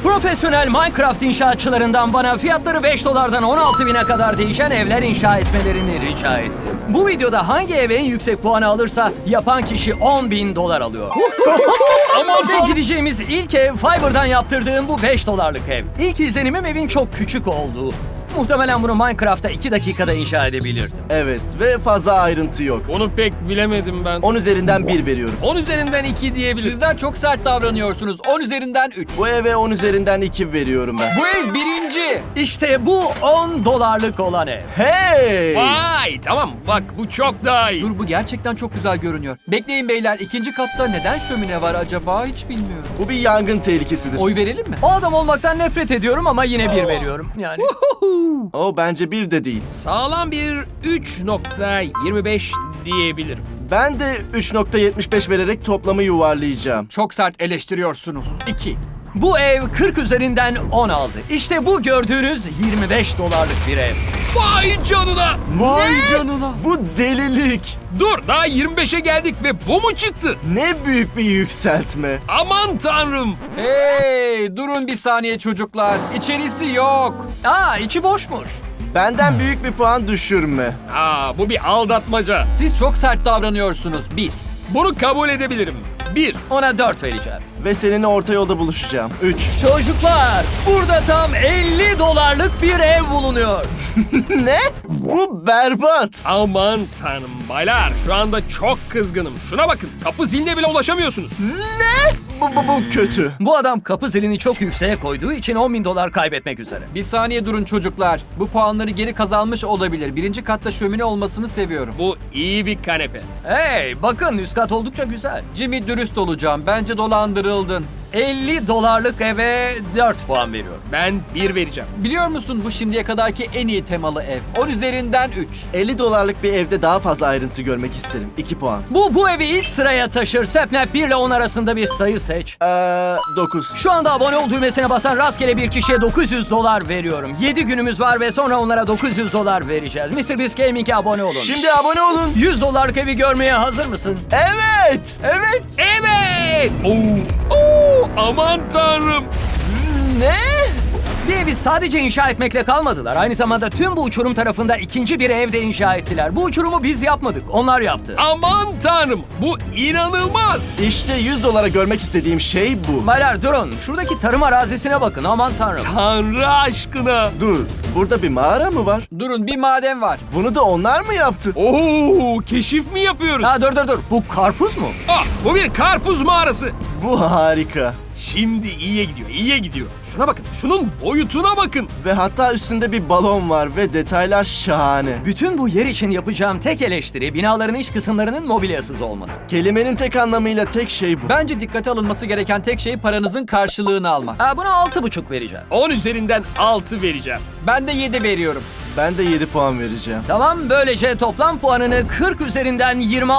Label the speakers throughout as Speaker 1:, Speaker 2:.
Speaker 1: Profesyonel Minecraft inşaatçılarından bana fiyatları 5 dolardan 16 bine kadar değişen evler inşa etmelerini rica ettim. Bu videoda hangi ev en yüksek puanı alırsa yapan kişi 10 bin dolar alıyor. Ve gideceğimiz ilk ev Fiverr'dan yaptırdığım bu 5 dolarlık ev. İlk izlenimim evin çok küçük olduğu. Muhtemelen bunu Minecraft'ta 2 dakikada inşa edebilirdim.
Speaker 2: Evet ve fazla ayrıntı yok.
Speaker 3: Onu pek bilemedim ben.
Speaker 2: 10 üzerinden 1 veriyorum.
Speaker 3: 10 üzerinden 2 diyebilirim.
Speaker 4: Sizler çok sert davranıyorsunuz. 10 üzerinden 3.
Speaker 2: Bu eve 10 üzerinden 2 veriyorum ben.
Speaker 4: Bu ev birinci.
Speaker 1: İşte bu 10 dolarlık olan ev.
Speaker 2: Hey!
Speaker 3: Vay tamam bak bu çok daha iyi.
Speaker 4: Dur bu gerçekten çok güzel görünüyor. Bekleyin beyler, ikinci katta neden şömine var acaba hiç bilmiyorum.
Speaker 2: Bu bir yangın tehlikesidir.
Speaker 4: Oy verelim mi?
Speaker 1: O adam olmaktan nefret ediyorum ama yine 1 veriyorum. Yani
Speaker 2: O bence 1 de değil.
Speaker 3: Sağlam bir 3.25 diyebilirim.
Speaker 2: Ben de 3.75 vererek toplamı yuvarlayacağım.
Speaker 4: Çok sert eleştiriyorsunuz. 2.
Speaker 1: bu ev 40 üzerinden 10 aldı. İşte bu gördüğünüz 25 dolarlık bir ev.
Speaker 3: Vay canına.
Speaker 4: Vay canına.
Speaker 2: Bu delilik.
Speaker 3: Dur daha 25'e geldik ve bu mu çıktı?
Speaker 2: Ne büyük bir yükseltme.
Speaker 3: Aman tanrım.
Speaker 4: Hey durun bir saniye çocuklar. İçerisi yok.
Speaker 1: Aa, içi boşmuş.
Speaker 2: Benden büyük bir puan düşürme.
Speaker 3: Aa bu bir aldatmaca.
Speaker 4: Siz çok sert davranıyorsunuz. 1.
Speaker 3: Bunu kabul edebilirim. 1.
Speaker 1: Ona 4 vereceğim.
Speaker 2: Ve seninle orta yolda buluşacağım. 3.
Speaker 1: Çocuklar, burada tam 50 dolarlık bir ev bulunuyor.
Speaker 2: Ne? Bu berbat.
Speaker 3: Aman tanrım baylar şu anda çok kızgınım. Şuna bakın kapı ziline bile ulaşamıyorsunuz.
Speaker 2: Ne? Bu kötü.
Speaker 1: Bu adam kapı zilini çok yükseğe koyduğu için 10 bin dolar kaybetmek üzere.
Speaker 4: Bir saniye durun çocuklar. Bu puanları geri kazanmış olabilir. Birinci katta şömine olmasını seviyorum.
Speaker 3: Bu iyi bir kanepe.
Speaker 1: Hey, bakın üst kat oldukça güzel.
Speaker 4: Jimmy dürüst olacağım. Bence dolandırıldın.
Speaker 1: 50 dolarlık eve 4 puan veriyorum.
Speaker 3: Ben 1 vereceğim.
Speaker 4: Biliyor musun bu şimdiye kadarki en iyi temalı ev. 10 üzerinden 3.
Speaker 2: 50 dolarlık bir evde daha fazla ayrıntı görmek isterim. 2 puan.
Speaker 1: Bu evi ilk sıraya taşır. Sepnap 1 ile 10 arasında bir sayı seç.
Speaker 2: 9.
Speaker 1: Şu anda abone ol düğmesine basan rastgele bir kişiye 900 dolar veriyorum. 7 günümüz var ve sonra onlara 900 dolar vereceğiz. MrBeast Gaming'e abone olun.
Speaker 2: Şimdi abone olun.
Speaker 1: 100 dolarlık evi görmeye hazır mısın?
Speaker 2: Evet. Evet.
Speaker 3: Evet. Oo, aman tanrım.
Speaker 2: Ne?
Speaker 1: Bir evi sadece inşa etmekle kalmadılar. Aynı zamanda tüm bu uçurum tarafında ikinci bir ev de inşa ettiler. Bu uçurumu biz yapmadık, onlar yaptı.
Speaker 3: Aman tanrım. Bu inanılmaz.
Speaker 2: İşte 100 dolara görmek istediğim şey bu.
Speaker 1: Baylar durun, şuradaki tarım arazisine bakın, aman tanrım.
Speaker 3: Tanrı aşkına.
Speaker 2: Dur. Burada bir mağara mı var?
Speaker 4: Durun bir maden var.
Speaker 2: Bunu da onlar mı yaptı?
Speaker 3: Oo, keşif mi yapıyoruz?
Speaker 1: Ha dur, bu karpuz mu?
Speaker 3: Ah, bu bir karpuz mağarası.
Speaker 2: Bu harika.
Speaker 3: Şimdi iyiye gidiyor, iyiye gidiyor. Şuna bakın, şunun boyutuna bakın.
Speaker 2: Ve hatta üstünde bir balon var ve detaylar şahane.
Speaker 1: Bütün bu yer için yapacağım tek eleştiri binaların iç kısımlarının mobilyasız olması.
Speaker 2: Kelimenin tek anlamıyla tek şey bu.
Speaker 4: Bence dikkate alınması gereken tek şey paranızın karşılığını almak.
Speaker 1: Ha, buna 6,5 vereceğim.
Speaker 3: 10 üzerinden 6 vereceğim.
Speaker 4: Ben de 7 veriyorum.
Speaker 2: Ben de 7 puan vereceğim.
Speaker 1: Tamam, böylece toplam puanını 40 üzerinden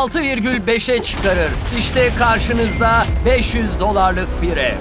Speaker 1: 26,5'e çıkarır. İşte karşınızda 500 dolarlık bir ev.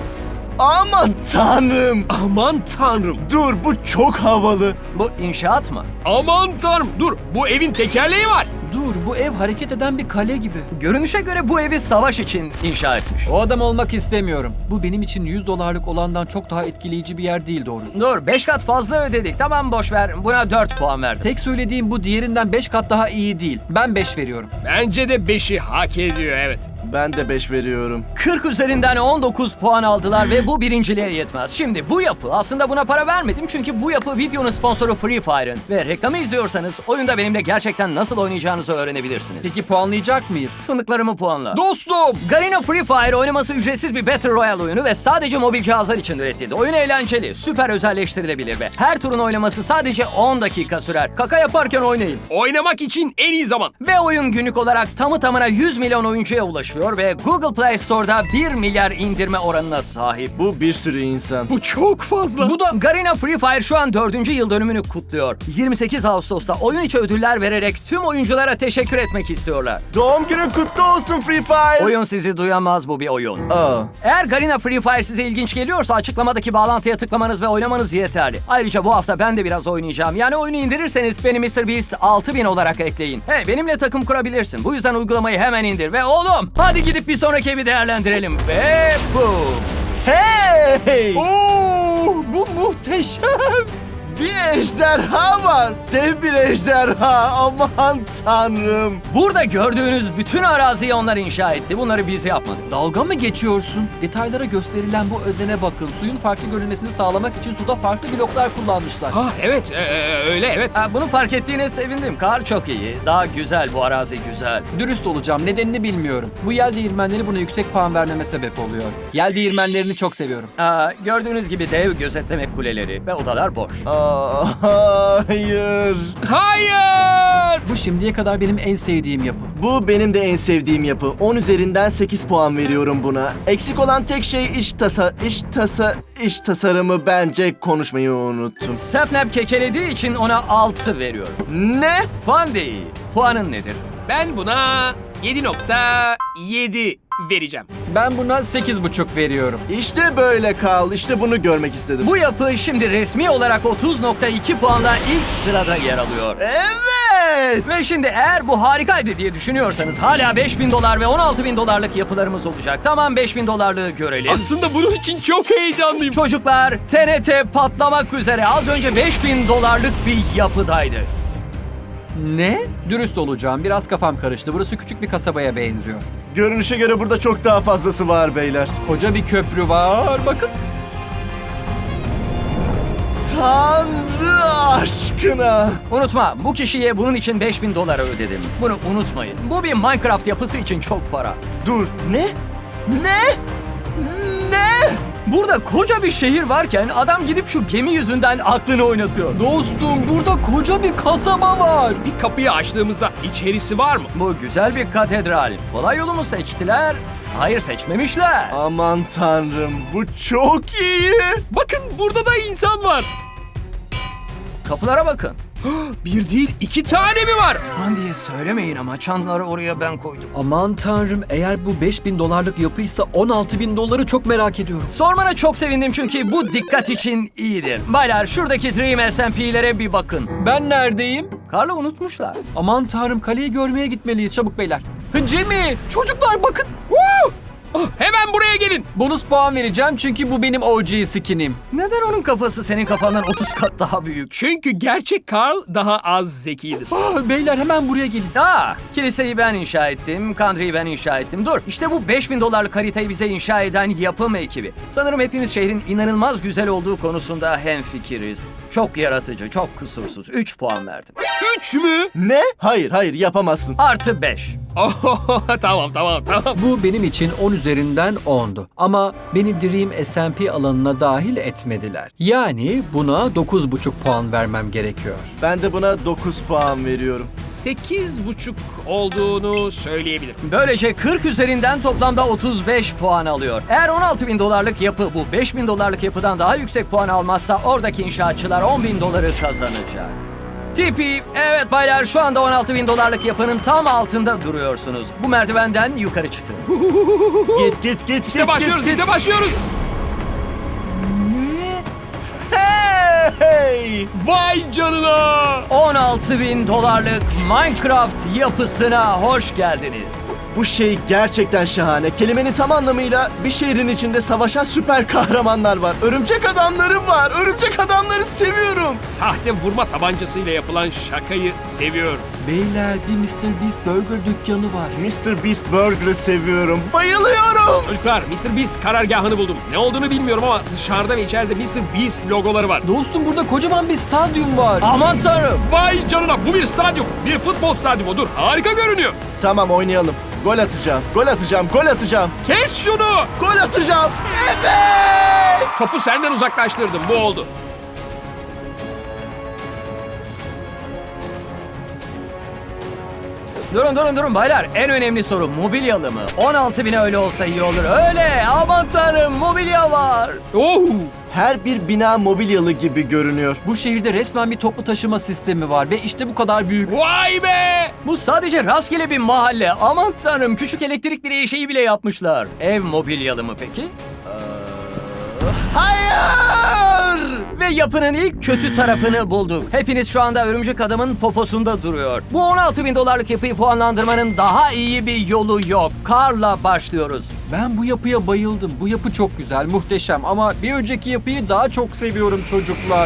Speaker 2: Aman tanrım.
Speaker 3: Aman tanrım.
Speaker 2: Dur, bu çok havalı.
Speaker 1: Bu inşaat mı?
Speaker 3: Aman tanrım. Dur, bu evin tekerleği var.
Speaker 4: Dur bu ev hareket eden bir kale gibi.
Speaker 1: Görünüşe göre bu evi savaş için inşa etmiş.
Speaker 4: O adam olmak istemiyorum. Bu benim için 100 dolarlık olandan çok daha etkileyici bir yer değil doğrusu.
Speaker 1: Dur, 5 kat fazla ödedik. Tamam, boş ver. Buna 4 puan verdim.
Speaker 4: Tek söylediğim bu diğerinden 5 kat daha iyi değil. Ben 5 veriyorum.
Speaker 3: Bence de 5'i hak ediyor, evet.
Speaker 2: Ben de 5 veriyorum.
Speaker 1: 40 üzerinden 19 puan aldılar ve bu birinciliğe yetmez. Şimdi bu yapı, aslında buna para vermedim çünkü bu yapı videonun sponsoru Free Fire'ın. Ve reklamı izliyorsanız oyunda benimle gerçekten nasıl oynayacağınızı öğrenebilirsiniz.
Speaker 4: Peki puanlayacak mıyız?
Speaker 1: Fındıklarımı puanla.
Speaker 4: Dostum!
Speaker 1: Garena Free Fire oynaması ücretsiz bir Battle Royale oyunu ve sadece mobil cihazlar için üretildi. Oyun eğlenceli, süper özelleştirilebilir ve her turun oynaması sadece 10 dakika sürer. Kaka yaparken oynayın.
Speaker 3: Oynamak için en iyi zaman.
Speaker 1: Ve oyun günlük olarak tamı tamına 100 milyon oyuncuya ulaşıyor ve Google Play Store'da 1 milyar indirme oranına sahip.
Speaker 2: Bu bir sürü insan.
Speaker 3: Bu çok fazla.
Speaker 1: Bu da Garena Free Fire şu an 4. yıl dönümünü kutluyor. 28 Ağustos'ta oyun içi ödüller vererek tüm oyunculara teşekkür etmek istiyorlar.
Speaker 2: Doğum günün kutlu olsun Free Fire.
Speaker 1: Oyun sizi duyamaz, bu bir oyun.
Speaker 2: Aa,
Speaker 1: Eğer Garena Free Fire size ilginç geliyorsa açıklamadaki bağlantıya tıklamanız ve oynamanız yeterli. Ayrıca bu hafta ben de biraz oynayacağım. Yani oyunu indirirseniz beni MrBeast 6000 olarak ekleyin. Hey, benimle takım kurabilirsin. Bu yüzden uygulamayı hemen indir ve oğlum hadi gidip bir sonraki evi değerlendirelim. Ve boom.
Speaker 2: hey!
Speaker 3: Oo,
Speaker 4: Muhteşem.
Speaker 2: Bir ejderha var. Dev bir ejderha. Aman tanrım.
Speaker 1: Burada gördüğünüz bütün araziyi onlar inşa etti. Bunları biz yapmadık.
Speaker 4: Dalga mı geçiyorsun? Detaylara gösterilen bu özene bakın. Suyun farklı görünmesini sağlamak için suda farklı bloklar kullanmışlar.
Speaker 3: Ah evet öyle evet.
Speaker 1: Ha, bunu fark ettiğine sevindim. Kar çok iyi. Daha güzel, bu arazi güzel.
Speaker 4: Dürüst olacağım, nedenini bilmiyorum. Bu yel değirmenleri buna yüksek puan vermeme sebep oluyor. Yel değirmenlerini çok seviyorum.
Speaker 1: Gördüğünüz gibi dev gözetleme kuleleri ve odalar boş.
Speaker 2: Hayır.
Speaker 3: Hayır!
Speaker 4: Bu şimdiye kadar benim en sevdiğim yapı.
Speaker 2: Bu benim de en sevdiğim yapı. 10 üzerinden 8 puan veriyorum buna. Eksik olan tek şey iç tasarımı, bence konuşmayı unuttum.
Speaker 1: Sapnap kekelediği için ona 6 veriyorum.
Speaker 2: Ne?
Speaker 1: Fan değil. Puanın nedir?
Speaker 3: Ben buna 7.7 vereceğim.
Speaker 4: Ben buna 8,5 veriyorum.
Speaker 2: İşte böyle Carl. İşte bunu görmek istedim.
Speaker 1: Bu yapı şimdi resmi olarak 30.2 puanla ilk sırada yer alıyor.
Speaker 2: Evet.
Speaker 1: Ve şimdi eğer bu harikaydı diye düşünüyorsanız hala $5.000 ve $16.000 yapılarımız olacak. Tamam, $5.000'lığı görelim.
Speaker 3: Aslında bunun için çok heyecanlıyım.
Speaker 1: Çocuklar, TNT patlamak üzere. Az önce $5.000'lık bir yapıdaydı.
Speaker 4: Ne? Dürüst olacağım, biraz kafam karıştı. Burası küçük bir kasabaya benziyor.
Speaker 2: Görünüşe göre burada çok daha fazlası var beyler.
Speaker 4: Koca bir köprü var, bakın.
Speaker 2: Tanrı aşkına.
Speaker 1: Unutma, bu kişiye bunun için $5.000 ödedim. Bunu unutmayın. Bu bir Minecraft yapısı için çok para.
Speaker 2: Dur. Ne? Ne? Ne?
Speaker 1: Burada koca bir şehir varken adam gidip şu gemi yüzünden aklını oynatıyor.
Speaker 4: Dostum, burada koca bir kasaba var.
Speaker 3: Bir kapıyı açtığımızda içerisi var mı?
Speaker 1: Bu güzel bir katedral. Kolay yolu mu seçtiler? Hayır, seçmemişler.
Speaker 2: Aman tanrım, bu çok iyi.
Speaker 3: Bakın burada da insan var.
Speaker 1: Kapılara bakın.
Speaker 3: Bir değil 2 tane mi var?
Speaker 1: Aman diye söylemeyin ama çanları oraya ben koydum.
Speaker 4: Aman tanrım, eğer bu $5.000'lık yapıysa $16.000 çok merak ediyorum.
Speaker 1: Sormana çok sevindim çünkü bu dikkat için iyidir. Baylar, şuradaki Dream SMP'lere bir bakın.
Speaker 4: Ben neredeyim?
Speaker 1: Karlı unutmuşlar.
Speaker 4: Aman tanrım, kaleyi görmeye gitmeliyiz çabuk beyler. Jimmy, çocuklar bakın. Woo!
Speaker 3: Oh, hemen buraya gelin.
Speaker 4: Bonus puan vereceğim çünkü bu benim OG skinim.
Speaker 1: Neden onun kafası senin kafandan 30 kat daha büyük?
Speaker 3: Çünkü gerçek Carl daha az zekidir.
Speaker 4: Beyler hemen buraya gelin.
Speaker 1: Kiliseyi ben inşa ettim, Country'yi ben inşa ettim. Dur, işte bu $5.000'lık haritayı bize inşa eden yapım ekibi. Sanırım hepimiz şehrin inanılmaz güzel olduğu konusunda hemfikiriz. Çok yaratıcı, çok kusursuz. 3 puan verdim.
Speaker 3: 3 mü?
Speaker 2: Ne? Hayır, yapamazsın.
Speaker 1: Artı 5.
Speaker 3: Oh, tamam.
Speaker 4: Bu benim için 10 üzerinden 10'du. Ama beni Dream SMP alanına dahil etmediler. Yani buna 9,5 puan vermem gerekiyor.
Speaker 2: Ben de buna 9 puan veriyorum.
Speaker 3: 8.5 olduğunu söyleyebilirim.
Speaker 1: Böylece 40 üzerinden toplamda 35 puan alıyor. Eğer $16.000'lık yapı bu $5.000'lık yapıdan daha yüksek puan almazsa oradaki inşaatçılar $10.000 kazanacak. Tipi, evet baylar, şu anda $16.000'lık yapının tam altında duruyorsunuz. Bu merdivenden yukarı çıkın.
Speaker 2: Git.
Speaker 3: İşte başlıyoruz.
Speaker 2: Hey!
Speaker 3: Vay canına.
Speaker 1: $16.000'lık Minecraft yapısına hoş geldiniz.
Speaker 2: Bu şey gerçekten şahane. Kelimenin tam anlamıyla bir şehrin içinde savaşan süper kahramanlar var. Örümcek adamları var. Örümcek adamları seviyorum.
Speaker 3: Sahte vurma tabancasıyla yapılan şakayı seviyorum.
Speaker 4: Beyler, bir Mr. Beast Burger dükkanı var.
Speaker 2: Mr. Beast Burger'ı seviyorum. Bayılıyorum.
Speaker 3: Çocuklar, Mr. Beast karargahını buldum. Ne olduğunu bilmiyorum ama dışarıda ve içeride Mr. Beast logoları var.
Speaker 4: Dostum, burada kocaman bir stadyum var.
Speaker 1: Aman tanrım.
Speaker 3: Vay canına, bu bir stadyum. Bir futbol stadyumu. Dur, harika görünüyor.
Speaker 2: Tamam, oynayalım. Gol atacağım.
Speaker 3: Kes şunu.
Speaker 2: Gol atacağım. Evet!
Speaker 3: Topu senden uzaklaştırdım. Bu oldu.
Speaker 1: Durun baylar. En önemli soru mobilyalı mı? 16.000'e öyle olsa iyi olur. Öyle. Aman tanrım, mobilya var.
Speaker 3: Oh!
Speaker 2: Her bir bina mobilyalı gibi görünüyor.
Speaker 4: Bu şehirde resmen bir toplu taşıma sistemi var ve işte bu kadar büyük.
Speaker 3: Vay be!
Speaker 1: Bu sadece rastgele bir mahalle. Aman tanrım, küçük elektrik direği şeyi bile yapmışlar. Ev mobilyalı mı peki?
Speaker 2: Hayır!
Speaker 1: Ve yapının ilk kötü tarafını bulduk. Hepiniz şu anda Örümcek Adam'ın poposunda duruyor. Bu 16.000 dolarlık yapıyı puanlandırmanın daha iyi bir yolu yok. Karla başlıyoruz.
Speaker 5: Ben bu yapıya bayıldım. Bu yapı çok güzel, muhteşem ama bir önceki yapıyı daha çok seviyorum çocuklar.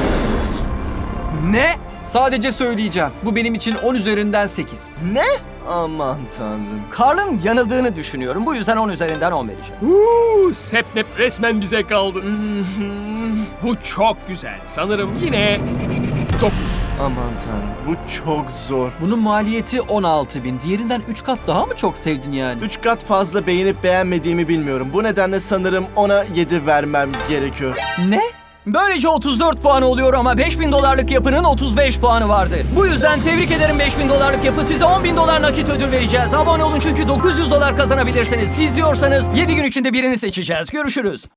Speaker 1: Ne?
Speaker 5: Sadece söyleyeceğim. Bu benim için 10 üzerinden 8.
Speaker 2: Ne? Aman tanrım.
Speaker 1: Karl'ın yanıldığını düşünüyorum. Bu yüzden 10 üzerinden 10 vereceğim.
Speaker 3: Sepnep resmen bize kaldı. Bu çok güzel. Sanırım yine 9.
Speaker 2: Aman tanrım. Bu çok zor.
Speaker 5: Bunun maliyeti 16.000. Diğerinden 3 kat daha mı çok sevdin yani?
Speaker 2: 3 kat fazla beğenip beğenmediğimi bilmiyorum. Bu nedenle sanırım ona 7 vermem gerekiyor.
Speaker 5: Ne?
Speaker 1: Böylece 34 puan oluyor ama 5.000 dolarlık yapının 35 puanı vardı. Bu yüzden tebrik ederim 5.000 dolarlık yapı. Size 10.000 dolar nakit ödül vereceğiz. Abone olun çünkü 900 dolar kazanabilirsiniz. İzliyorsanız 7 gün içinde birini seçeceğiz. Görüşürüz.